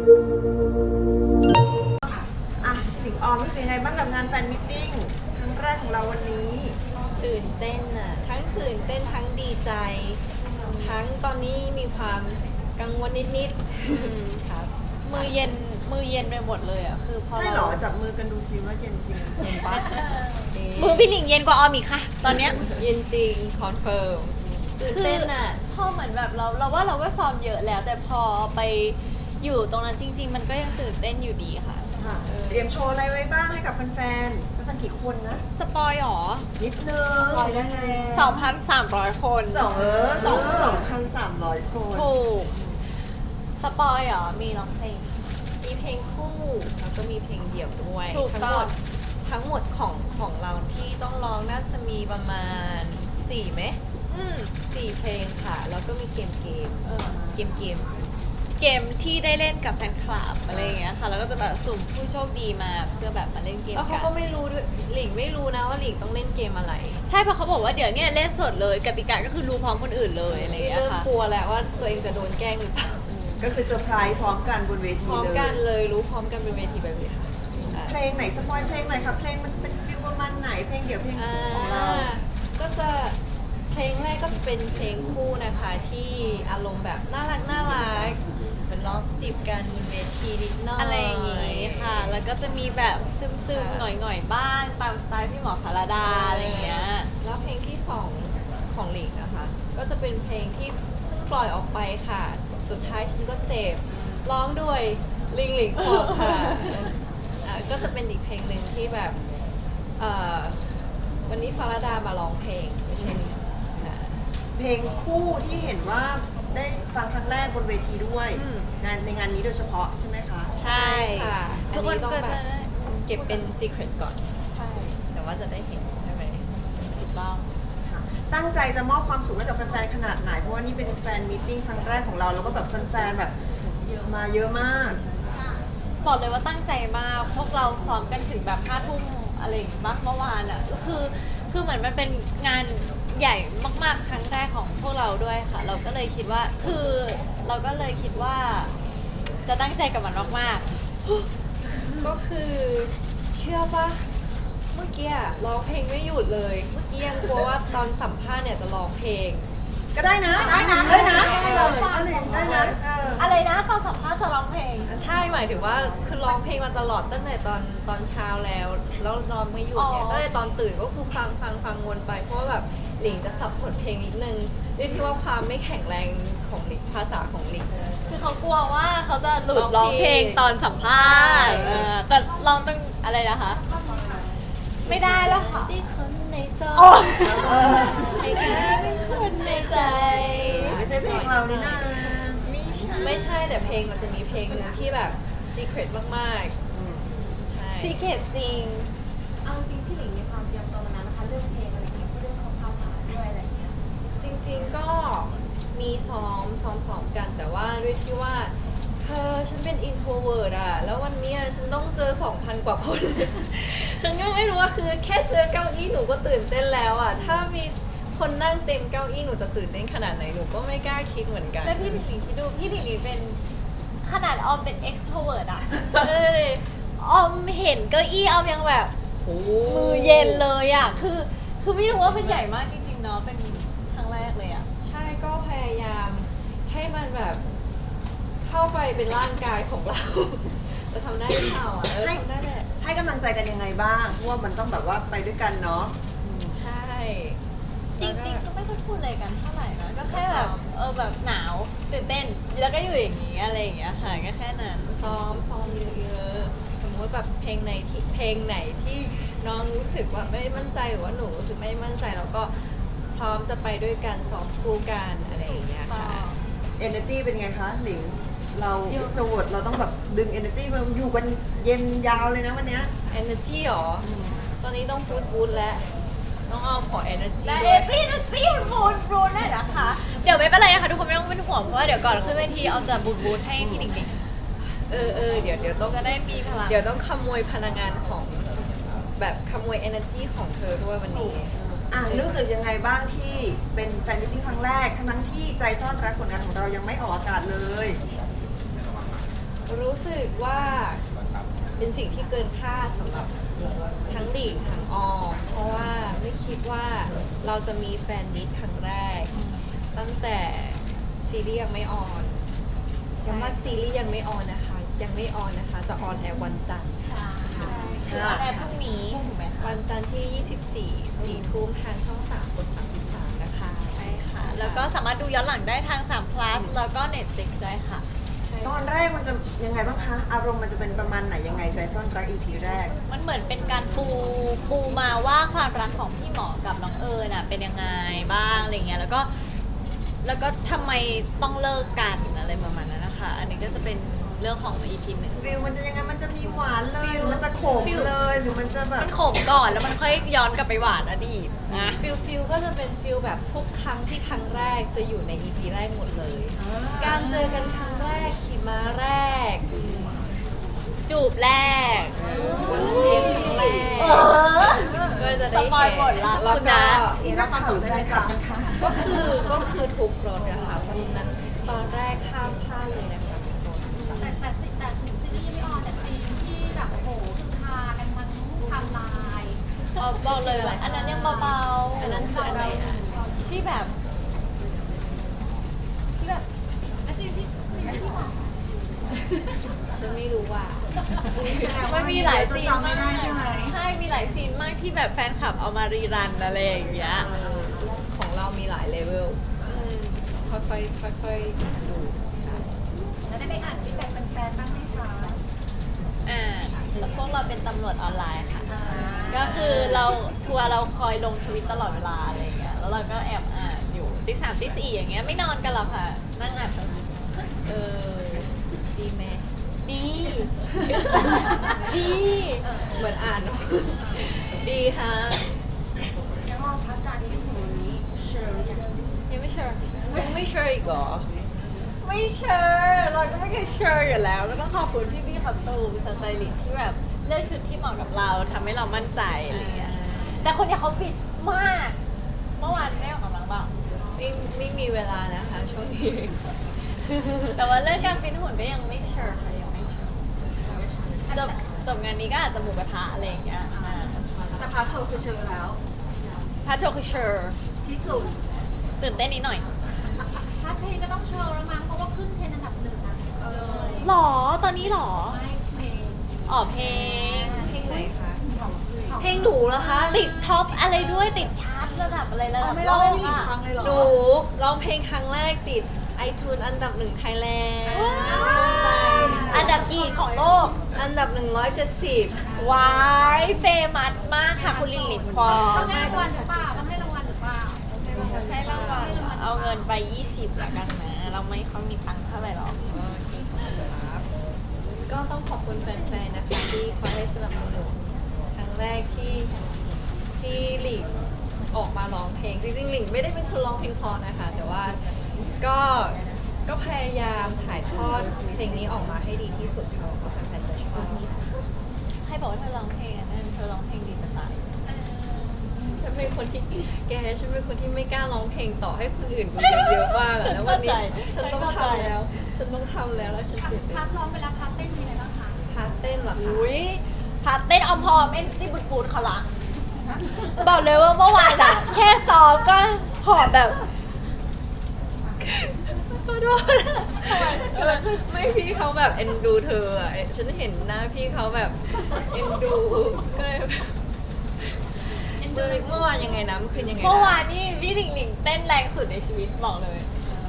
อ่ะสิงออมรู้สึกยังไงบ้างกับงานแฟนมิทติ้งครั้งแรกของเราวันนี้ตื่นเต้นอ่ะทั้งตื่นเต้นทั้งดีใจ ทั้งตอนนี้มีความกังวลนิดๆครับมือเย็นไปหมดเลยอ่ะคือพอใช่เหรอจับมือกันดูซิว่าเย็นจริงเย็นปะมือพี่หลิงเย็นกว่าออมอีกค่ะ ตอนเนี้ยเย็นจริงคอนเฟิร์มตื่นเต้นอ่ะพอเหมือนแบบเราว่าเราก็ซ้อมเยอะแล้ว แต่พอไปอยู่ตรงนั้นจริง ๆ มันก็ยังตื่นเต้นอยู่ดีค่ะค่ะเตรียมโชว์อะไรไว้บ้างให้กับแฟนๆแฟนๆกี่คนนะสปอยหรอนิดนึงปล่อยได้ไง 2,300 คน 2,300 คนถูกสปอยหรอมีร้องเพลงมีเพลงคู่แล้วก็มีเพลงเดี่ยวด้วยถูกต้องทั้งหมดของเราที่ต้องร้องน่าจะมีประมาณ4ไหม4เพลงค่ะ แล้วก็มีเกมเออเกมเกมที่ได้เล่นกับแฟนคลับอะไรอย่างเงี้ยค่ะ แล้วก็จะแบบสุ่มผู้โชคดีมาเพื่อแบบมาเล่นเกมแล้วเขากันก็ไม่รู้ด้วยหลิงไม่รู้นะว่าหลิงต้องเล่นเกมอะไรใช่เพราะเขาบอกว่าเดี๋ยวเนี้เล่นสดเลยกติกาก็คือรู้พร้อมคนอื่นเลยอะไรอย่างเงี้ยเริ่มค่ะกลัวแล้วว่าตัวเองจะโดนแกล้งหรือเปล่าก็คือเซอร์ไพรส์พร้อมกันบนเวพทีร้อมเลยกันเลยรู้พร้อมกันเป็นเวทีแบบนี้ค่ะเพลงไหนสปอยเพลงไหนครับเพลงมันจะเป็นฟิลประมาณไหนเพลงเดี่ยวเพลงคู่ของเราก็จะเพลงแรกก็จะเป็นเพลงคู่นะคะที่อารมณ์แบบน่ารักเป็นร้องจีบกันบนเวทีนิดหน่อยอะไรอย่างงี้ค่ะ แล้วก็จะมีแบบซึมๆหน่อยๆบ้างตามสไตล์พี่หมอพาราดาอะไรอย่างเงี้ยแล้วเพลงที่สองของหลิงนะคะก็จะเป็นเพลงที่เพิ่งปล่อยออกไปค่ะ สุดท้ายฉันก็เจ็บร้องด้วยลิงหลิงควงค่ะก็จะเป็นอีกเพลงหนึ่งที่แบบวันนี้ฟาราดามาร้องเพลงไม่ใช่หลิงค่ะเพลงคู่ที่เห็นว่าได้ฟังครั้งแรกบนเวทีด้วยอืมในงานนี้โดยเฉพาะใช่ไหมคะใช่ค่ะทุกคนต้องก็แบจะบเก็บเป็น secret ก่อนใช่แต่ว่าจะได้เห็นใช่ไหมถูกต้องค่ะตั้งใจจะมอบความสุขให้กับแฟนๆขนาดไหนเพราะว่านี่เป็นแฟนมีตติ้งครั้งแรกของเราแล้วก็แบบแฟนๆแบบมาเยอะมากบอกเลยว่าตั้งใจมาก พวกเราซ้อมกันถึงแบบ5 ทุ่มอะไรอย่างเงี้ยเมื่อวานอ่ะคือเหมือนมันเป็นงานใหญ่มากๆครั้งแรกของพวกเราด้วยค่ะ เราก็เลยคิดว่าจะตั้งใจกับมันมากก็คือเชื่อปะเมื่อกี้อะร้องเพลงไม่หยุดเลย เมื่อกี้ยังกลัวว่าตอนสัมภาษณ์เนี่ยจะร้องเพลงก็ได้นะได้นะได้นะได้นะๆอะไรนะตอนสัมภาษณ์จะร้องเพลงใช่หมายถึงว่าคือร้องเพลงมาตลอดตั้งแต่ตอนเช้าแล้วนอนไม่หยุดเนี่ยอ๋อตั้งแต่ตอนตื่นก็คือฟังวนไปเพราะว่าแบบหลิงจะสับสนเพลงนิดนึงด้วยที่ว่าความไม่แข็งแรงของหลิงภาษาของหลิงคือเขากลัวว่าเขาจะหลุดร้ร้ออง งเพเพลลงงตอนสัมภาษณ์ใช่แต่ร้องต้องอะไรนะคะ ไม่ได้แล้วค่ะที่คนในใจโอ้ให้แค่เป็นคนในใจไม่ใช่เพลงเรานี่นะไม่ใช่แต่เพลงมันจะมีเพลงหนึงที่แบบ secret มากๆ ใช่ซีเคทจริงเอาจริงพี่หลิงมีความเตรียมตัวมานานนะคะเรื่องเพลงอะไรอย่างเงี้ยเรื่องของภาษาด้วยอะไรอย่างเงี้ยจริงๆก็มีซ้อมกัน แต่ว่าด้วยที่ว่าฉันเป็น introvert อะแล้ววันเนี้ยฉันต้องเจอ 2,000 กว่าคน ฉันก็ไม่รู้ว่าคือแค่เจอเก้าอี้หนูก็ตื่นเต้นแล้วอะถ้ามีคนนั่งเต็มเก้าอี้หนูจะตื่นเต้นขนาดไหนหนูก็ไม่กล้าคิดเหมือนกันแล้วพี่หลิงคิดดูพี่หลิงเป็นขนาดออมเป็น extrovert อะเอ้ยออมเห็นเก้าอี้ออมยังแบบโหมือเย็นเลยอะคือไม่รู้ว่ามันใหญ่มากจริงๆเนาะเป็นครั้งแรกเลยอะใช่ก็พยายามให้มันแบบเข้าไปเป็นร่างกายของเรา จะทำได้หรือเปล่าอ่ะทำได้แหละให้กำลังใจกันยังไงบ้างเพราะว่ามันต้องแบบว่าไปด้วยกันเนาะใช่จริงๆก็ไม่ค่อยพูดอะไรกันเท่าไหร่นะก็แค่แบบแบบหนาวตื่นเต้นแล้วก็อยู่อย่างนี้อะไรอย่างเงี้ยค่ะก็แค่นั้นซ้อมเยอะๆสมมติแบบเพลงไหนที่น้องรู้สึกว่าไม่มั่นใจหรือว่าหนูรู้สึกไม่มั่นใจแล้วก็พร้อมจะไปด้วยกันซ้อมคู่กันอะไรอย่างเงี้ยค่ะ energy เป็นไงคะหลิงเรา extrovert เราต้องแบบดึง energy มาอยู่กันเย็นยาวเลยนะวันเนี้ย energy หรอตอนนี้ต้องบูทแล้วน้องอ้อมขอ energy และด้วยซี่บูนได้นะคะ เดี๋ยวไม่เป็นไรนะคะทุกคนไม่ต้องเป็นห่วงเพราะว่าเดี๋ยวก่อนขึ้นเวทีเอาจะบูนให้พี่หลิงเดี๋ยวต้องจะได้มีพลังเดี๋ยวต้องขโมยพลังงานของแบบขโมย energy ของเธอด้วยวันนี้รู้สึกยังไงบ้างที่เป็นแฟนมิตติ้งครั้งแรกทั้งที่ใจซ่อนรักผลงานของเรายังไม่ออกอากาศเลยรู้สึกว่าเป็นสิ่งที่เกินคาดสำหรับทั้งหลิงทั้งออมเพราะว่าไม่คิดว่าเราจะมีแฟนมิตครั้งแรก ตั้งแต่ซีรีส์ยังไม่ออนย้ำว่าซีรีส์ยังไม่ออนนะคะ ยังไม่ออนนะคะ จะออนแอร์วันจันทร์คือออนแอร์พรุ่งนี้ถูกไหมคะวันจันทร์ที่ 24 4 ทุ่มทางช่อง 3 กด 33 นะคะใช่ค่ะ แล้วก็สามารถดูย้อนหลังได้ทาง3 plus แล้วก็ Netflix ด้วยค่ะตอนแรกมันจะยังไงบ้างคะ อารมณ์มันจะเป็นประมาณไหนยังไงใจซ่อนรัก EP แรกมันเหมือนเป็นการปูมาว่าความรักของพี่หมอกับน้องเอิญน่ะเป็นยังไงบ้างอะไรเงี้ยแล้วก็ทำไมต้องเลิกกันอะไรประมาณนั้นนะคะ อันนี้ก็จะเป็นเรื่องของ EP หนึ่งฟิลมันจะยังไง มันจะมีหวานเลยหรือมันจะขมเลย หรือมันจะแบบมันขมก่อนแล้วมันค่อยย้อนกลับไปหวานอดีตนะฟิลก็จะเป็นฟิลแบบทุกครั้งที่ครั้งแรกจะอยู่ใน EP แรกหมดเลย การเจอกันครั้งแรกขี่ม้าแรกจูบแรกเลี้ยงครั้งแรกก็จะได้สปอยหมดละแล้วคุณก็นะนี่นักข่าวหรือรายการนะคะก็คือทุกรถนะคะเพราะฉะนั้นตอนแรกข้ามพลาดเลยนะคะทุกคนแต่ถึงซีรีส์ยังไม่ออนแต่ซีนที่แบบโอ้โหคือพากันทั้งไทำลายบอกเลยว่าอันนั้นยังเบาๆอันนั้นคืออะไรนะที่แบบและซีนที่พี่บอกฉันไม่รู้ว่ามันมีหลายซีนจำไม่มากได้ใช่ไหมใช่มีหลายซีนมากที่แบบแฟนคลับเอามารีรันอะไรอย่างเงี้ยของเรามีหลายเลเวล ค่อยๆดูค่ะแล้วได้ไปอ่านฟีดแบ็กแฟนๆบ้างไหมคะแล้วพวกเราเป็นตำรวจออนไลน์ค่ะ ก็คือเราทัวร์เราคอยลงทวิตตลอดเวลาอะไรอย่างเงี้ย แล้วเราก็แอบอ่านอยู่ตี 3ตี 4อย่างเงี้ยไม่นอนกันหรอกค่ะ นั่งอ่านทวิตเออดีไหมดี ดีเหมือนอ่านเนอะดีค่ะแล้วก็พักการที่ถึงวันนี้เชิญอย่างยังไม่เชื่อยังไม่เชื่ออีกเหรอไม่เชื่อเราก็ไม่เคยเชื่ออยู่แล้ว ก็ต้องขอบคุณพี่ๆขับตูเป็นสไตลิสต์ที่แบบเลือกชุดที่เหมาะกับเราทำให้เรามั่นใจอะไรอย่างเงี้ย แต่คนเนี้ยเขาฟิตมาก เมื่อวานได้ออกกำลังเปล่าไม่มีเวลานะคะช่วงนี้แต่ว่าเรื่องการฟิตหุ่นก็ยังไม่เชื่อค่ะยังไม่เชื่อจบงานนี้ก็อาจจะหมูกระทะอะไรอย่างเงี้ยแต่พาร์ทโชว์คือเชิญแล้วพาโชว์คือเชื่อที่สุดตื่นเต้นนิดหน่อยพาร์ทเพลงก็ต้องโชว์แล้วมั้งเพราะว่าขึ้นเทรนด์อันดับ1นะเลยหรอตอนนี้หรอไม่เพลงอ๋อเพลงเพลงไหนคะ เพลงหนูเหรอคะติดท็อปอะไรด้วยติดชาร์ตระดับอะไรระดับไม่โลเล่าให้กพี่หลิงอะฟังเลยเหรอหนูร้องเพลงครั้งแรกติด iTunes อันดับ1 ไทยแลนด์อันดับกี่ของโลกอันดับ 170 วายเฟมัสมากค่ะคุณลิลลิพอต้องให้รางวัลหรือเปล่าต้องให้รางวัลหรือเปล่าให้รางวัลเอาเงินไป 20ละกันนะ เราไม่ค่อยมีตังค์เท่าไหร่หรอกก็ต้องขอบคุณแฟนๆ นะคะที่คอยให้สนับสนุนครั้งแรกที่หลิงออกมาร้องเพลง จริงๆหลิงไม่ได้เป็นคนร้องเพลงเพอนะคะ แต่ว่าก็พยายามถ่ายทอดเพลงนี้ออกมาให้ดีที่สุดค่ะว่าแฟนๆจะชอบใครบอกว่าเธอร้องเพลงอ่ะนั่นเธอร้องเพลงดีจะตายฉันเป็นคนที่ฉันเป็นคนที่ไม่กล้าร้องเพลงต่อให้คนอื่นดูเยอะๆมากอะแล้ววันนี้ฉันต้องทำแล้ว ฉันต้องทำแล้วฉันตื่นเต้นพาร์ทร้องไปแล้วพาร์ทเต้นมีอะไรบ้างคะพาร์ทเต้นเหรอคะอุ้ยพาร์ทเต้นออมพอมเอ็นซี่บุดบูดเขาละบอกเลยว่าเมื่อวานอะแค่ซ้อมก็หอบแบบขอโทษไม่พี่เขาแบบเอ็นดูเธออะฉันเห็นหน้าพี่เขาแบบเอ็นดูก็เลยเมื่อวานยังไงนะเมื่อคืนยังไงนะเมื่อวานนี่พี่หลิงหลิงเต้นแรงสุดในชีวิตบอกเลย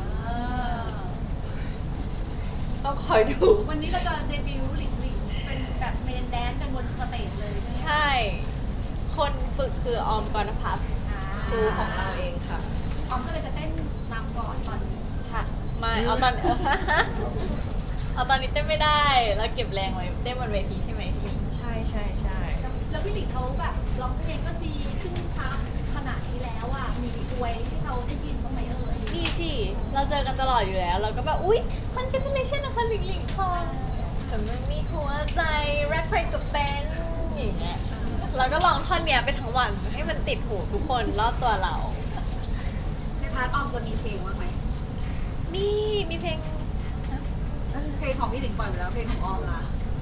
ต้องคอยดูวันนี้เราจะเดบิวต์หลิงเป็นแบบเมนแดนซ์กันบนสเตจเลยใช่ไหมใช่ คนฝึกคือออมกรณพัฒน์ครูของเราเองค่ะออมก็เลยจะเต้นนำก่อนตอนนี้ใช่ไม่เอาตอน เอาตอนนี้เต้นไม่ได้ แล้วเก็บแรงไว้เต้นบนเวทีใช่ไหมพี่หลิงใช่แล้วพี่หลิงเขาแบบร้องเพลงก็ดีขึ้นชาร์ตขนาดนี้แล้วอ่ะมีอวยให้เขาได้ยินบ้างไหมเอ่ยนี่สิ เราเจอกันตลอดอยู่แล้ว เราก็แบบ อุ๊ยมันเป็นเลชั่นนะคะหลิงหลิงพอแต่มันมีหัวใจรักใครกับแฟนอย่างเงี้ยเราก็ลองท่อนเนี้ยไปทั้งวันให้มันติดหูทุกคนรอบตัวเราในพาร์ทออมจะมีเพลงบ้างไหมนี่มีเพลงก็คือเพลงของพี่หลิงปล่อยไปแล้วเพลงของออมล่ะ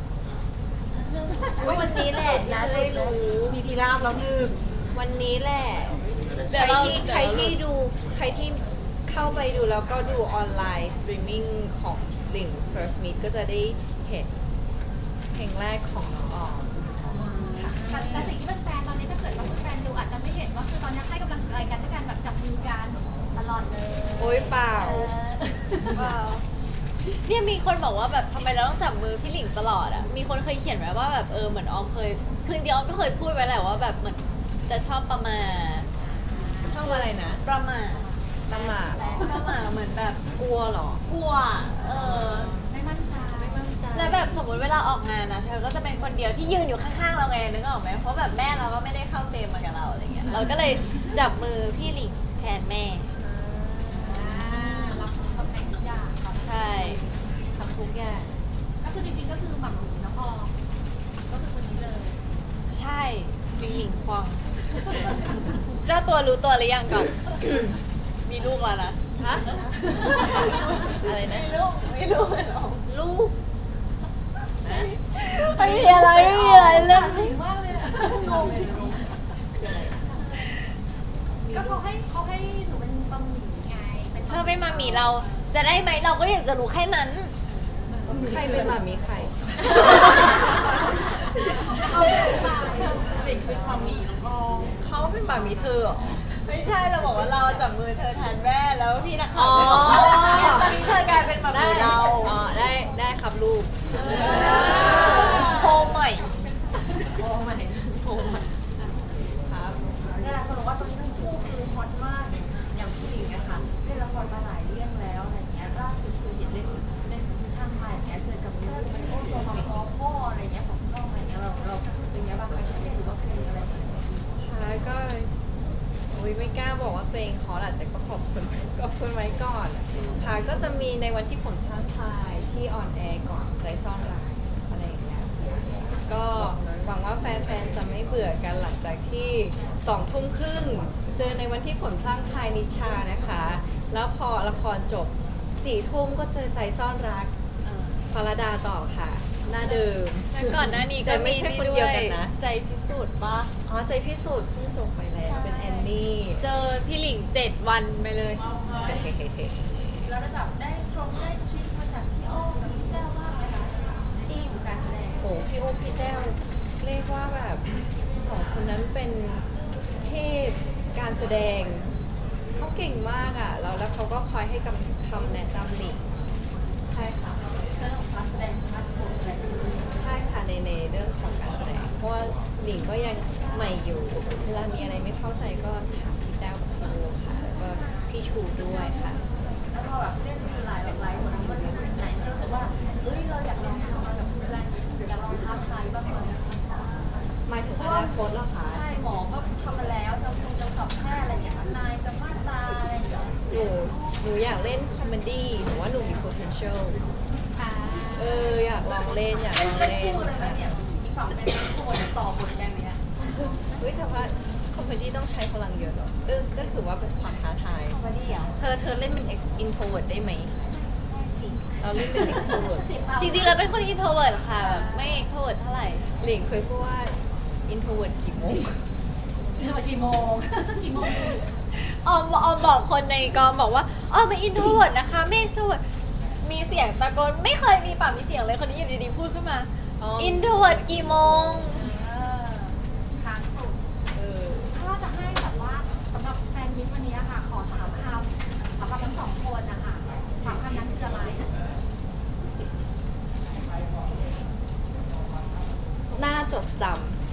วันนี้แหละที่จะได้รู้มีพีราบแล้วหนึ่งวันนี้แหละเดี๋ยวเราใครที่ดูใครที่เข้าไปดูแล้วก็ดูออนไลน์สตรีมมิ่งของหลิง First Meet ก็จะได้เห็นเพลงแรกของน้องออมค่ะแต่สิ่งที่เป็นแฟนตอนนี้ถ้าเกิดว่าเป็นแฟนดูอาจจะไม่เห็นว่าคือตอนนี้ให้กำลังใจกันด้วยการแบบจับมือกันตลอดเลยโอ๊ยเปล่าว้าวเนี่ยมีคนบอกว่าแบบทำไมเราต้องจับมือพี่หลิงตลอดอ่ะ มีคนเคยเขียนไว้ว่าแบบเหมือนออมเคยคือจริงๆออมก็เคยพูดไว้แหละว่าแบบเหมือนจะชอบประมาทชอบอะไรนะประมาทประมาทประมาทเหมือนแบบกลัวเหรอกลัวไม่มั่นใจไม่มั่นใจแล้วแบบสมมติเวลาออกงานนะเธอก็จะเป็นคนเดียวที่ยืนอยู่ข้างๆเราไงนึกออกไหมเพราะแบบแม่เราก็ไม่ได้เข้าเฟรมมากับเราอะไรเงี้ยเราก็เลยจับมือพี่หลิงแทนแม่รับตำแหน่งทุกอย่างครับใช่ทำทุกอย่างก็คือจริงๆก็คือหม่ำหมี่น้องออมก็คือคนนี้เลยใช่พี่หลิงควงเจ้าตัวรู้ตัวหรือยังก่อน มีลูกแล้วนะฮะ อะไรนะมีลูกหรอกลูกนะไม่มีอะไรไม่มีอะไรเรื่องถึงมากเลยอะงงก็เขาให้หนูเป็นบะหมี่ไงเป็นเธอไม่มามีเราจะได้ไหมเราก็อยากจะรู้แค่นั้นใครเป็นหมามีใครเอาไปหลิงเป็นบะหมี่น้องออมเขาเป็นหมามีเธอเหรอไม่ใช่เราบอกว่าเราจับมือเธอแทนแม่แล้วพี่นักข่าวอ๋ออยากให้เธอกลายเป็นแบบได้เราอ๋อได้ครับลูกโคใหม่ครับนี่แหละคนบอกว่าตอนนี้ทั้งคู่คือฮอตมากอย่างพี่หลิงอะค่ะเล่นละครมาหลายเรื่องแล้วอะไรเงี้ยล่าสุดคือเห็นเล่นทางไทยอย่างเงี้ยเจอกับเรื่องมันโอ้ตัวมาพอพ่ออะไรเงี้ยของช่องอะไรเงี้ยเราเป็นไงบ้างคะเครียดหรือว่าเพลงอะไรแบบนี้ค่ะก็อุ๊ยไม่กล้าบอกว่าตัวเองฮอตอะแต่ก็ขอบคุณไว้ก่อนค่ะก็จะมีในวันที่ผลพลางพลายที่ออนแอร์ก่อนใจซ่อนรักอะไรอย่างเงี้ยก็หวังว่าแฟนๆจะไม่เบื่อกันหลังจากที่2 ทุ่มครึ่งเจอในวันที่ผลพลางพลายนิชานะคะ แล้วพอละครจบ4 ทุ่มก็เจอใจซ่อนรักฟาราดาต่อค่ะ หน้าเดิมแล้วก่อนหน้านี้ก็แต่ไม่ใช่คนเดียวกันนะใจพิสูจน์ปะอ๋อใจพิสูจน์เพิ่งจบไปแล้วเป็นแอนนี่เจอพี่หลิง7 วันไปเลยแล้วได้แบบได้ทริคมาจากพี่อ้อมกับพี่แก้วบ้างไหมคะที่อยู่การแสดงโอ้พี่โอพี่แต้วเรียกว่าแบบ2 คนนั้นเป็นเทพการแสดงเขาเก่งมากอ่ะแล้วเขาก็คอยให้คำแนะนำหลิงใช่ค่ะเรื่องของการแสดงภาพโพสอะไรอย่างเงี้ยใช่ค่ะในเรื่องของการแสดงเพราะว่าหลิงก็ยังใหม่อยู่เวลามีอะไรไม่เข้าใจก็ถามพี่แต้วกับพี่โอค่ะแล้วก็พี่ชูด้วยค่ะแล้วพอแบบเล่นหลายบทนี้มันไหนที่รู้สึกว่าเอ้ยเราอยากลองทำอะไรแบบแสดงอยากลองท้าทายบ้างไหมหมายถึงอนาคตเหรอคะใช่หมอก็ทำมาแล้วจะสอบแพทย์อะไรอย่างเงี้ยนายจะมาตราอะไรอย่างเงี้ยหนูอยากเล่นคอมเมดี้หนูว่าหนูมี potential อยากลองเล่นอยากลองเล่นเล่นคู่เลยไหมเนี่ยอีกฝั่งเป็นคู่จะต่อบทกันเนี้ยเฮ้ยแต่ว่าคอมเมดี้ต้องใช้พลังเยอะเหรอก็ถือว่าเป็นความท้าทายคอมเมดี้เหรอเธอเล่นเป็น introvert ได้ไหมได้สิเราเล่นเป็น extrovert จริงๆเราเป็นคนอินโทรเวิร์ดค่ะแบบไม่เอ็กโทรเวิร์ดเท่าไหร่หลิงเคยพูดว่า introvert กี่โมงกี่โมงกี่โมงออมบอกคนในกองบอกว่าออมเป็นอินโทรเวิร์ดนะคะไม่เอ็กโทรเวิร์ดมีเสียงตะโกนไม่เคยมีปากมีเสียงเลยคนนี้อยู่ดีๆพูดขึ้นมาอินโทรเวิร์ดกี่โมงค้างสุด ถ้าจะให้แบบว่าสำหรับแฟนมิตรวันนี้ค่ะ ขอ3 คำสำหรับทั้ง2 คนนะคะ3 คำนั้นคืออะไรน่าจดจ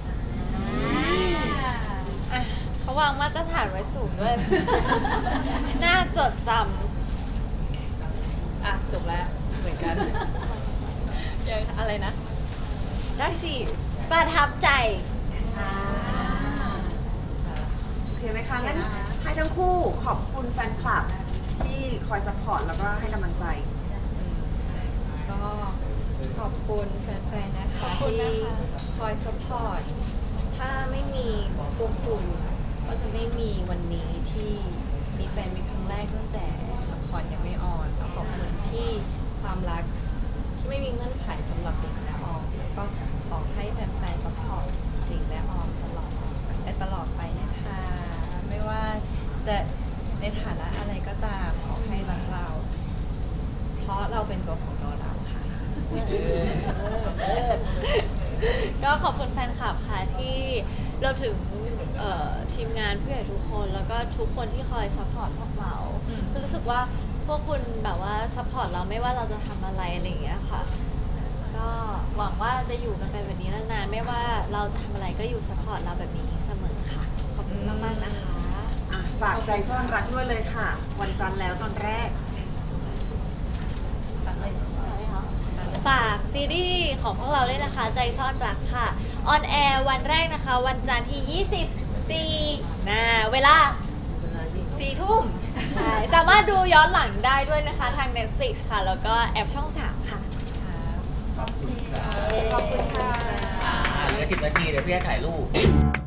อ่ะเขาวางมาตรฐานไว้สูงด้วย น่าจดจำจบแล้วเหมือนกันยังอะไรนะ ได้สิำประทับใจโอเคไหมคะงั้นให้ทั้งคู่ขอบคุณแฟนคลับที่คอยซัพพอร์ตแล้วก็ให้กำลังใจก็ขอบคุณแฟนๆ นะคะขอบคุณที่นะคะคอยสปอร์ต ถ้าไม่มีพวกคุณ ก็จะไม่มีวันนี้ที่มีแฟนมีครั้งแรกตั้งแต่ละครยังไม่ออนแล้วขอบคุณที่ความรักที่ไม่มีเงื่อนไขสำหรับหลิงและออมแล้วก็ขอให้แฟนๆซัพพอร์ตหลิงและออมตลอดไปนะคะไม่ว่าจะในฐานะอะไรก็ตามขอให้รักเรา เพราะเราเป็นตัวของตัวเราค่ะก็ขอบคุณแฟนคลับค่ะที่เราถึงทีมงานผู้ใหญ่ทุกคนแล้วก็ทุกคนที่คอยซัพพอร์ตพวกเราคือรู้สึกว่าพวกคุณแบบว่าซัพพอร์ตเราไม่ว่าเราจะทำอะไรอะไรอย่างเงี้ยค่ะก็หวังว่าจะอยู่กันไปแบบนี้นานๆไม่ว่าเราจะทำอะไรก็อยู่ซัพพอร์ตเราแบบนี้เสมอค่ะขอบคุณมากๆนะคะอ่ะฝากใจซ่อนรักด้วยเลยค่ะ วันจันทร์แล้วตอนแรกฝากซีรีส์ของพวกเราด้วยนะคะใจซ่อนรักค่ะออนแอร์วันแรกนะคะ วันจันทร์ที่ 24นะเวลา 4 ทุ่มใช่สามารถดูย้อนหลังได้ด้วยนะคะทาง Netflix ค่ะ แล้วก็แอปช่อง 3 ค่ะขอบคุณค่ะเหลือ10 นาทีเดี๋ยวพี่ให้ถ่ายรูป